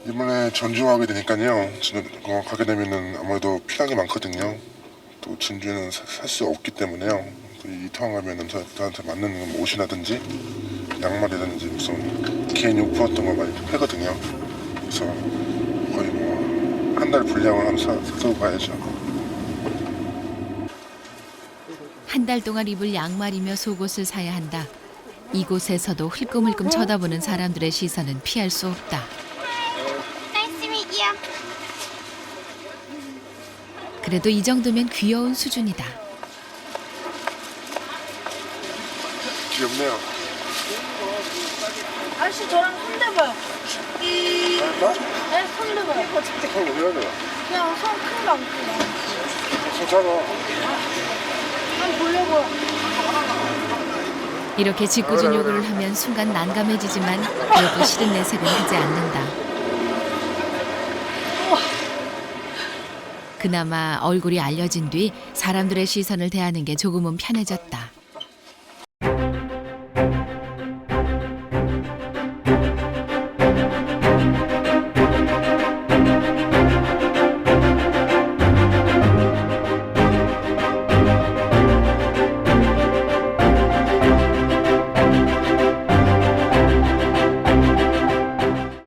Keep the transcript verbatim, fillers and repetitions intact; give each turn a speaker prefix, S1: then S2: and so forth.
S1: 이번에 전주하게 되니까요. 저는 어, 가게 되면은 아무래도 필요한 게 많거든요. 또 진주에는 살 수 없기 때문에요. 이 타운 가면은 저, 저한테 맞는 뭐 옷이라든지 양말이라든지 무슨 개인 용품 같은 거 많이 팔거든요. 그래서 거의 뭐 한 달 분량을 한번 사, 사고 가야죠.
S2: 한 달 동안 입을 양말이며 속옷을 사야 한다. 이곳에서도 흘끔흘끔 쳐다보는 사람들의 시선은 피할 수 없다.
S3: Nice to meet you.
S2: 그래도 이 정도면 귀여운 수준이다.
S1: 귀엽네요.
S4: 아저씨 저랑 손대봐요.
S1: 나?
S4: 네, 손대봐요.
S1: 그럼 어디 해야 돼요?
S4: 그냥 손 큰 거 안고
S1: 손 작아.
S4: 한번 보려고요.
S2: 이렇게 짓궂은 요구를 하면 순간 난감해지지만 그래도 싫은 내색은 하지 않는다. 그나마 얼굴이 알려진 뒤 사람들의 시선을 대하는 게 조금은 편해졌다.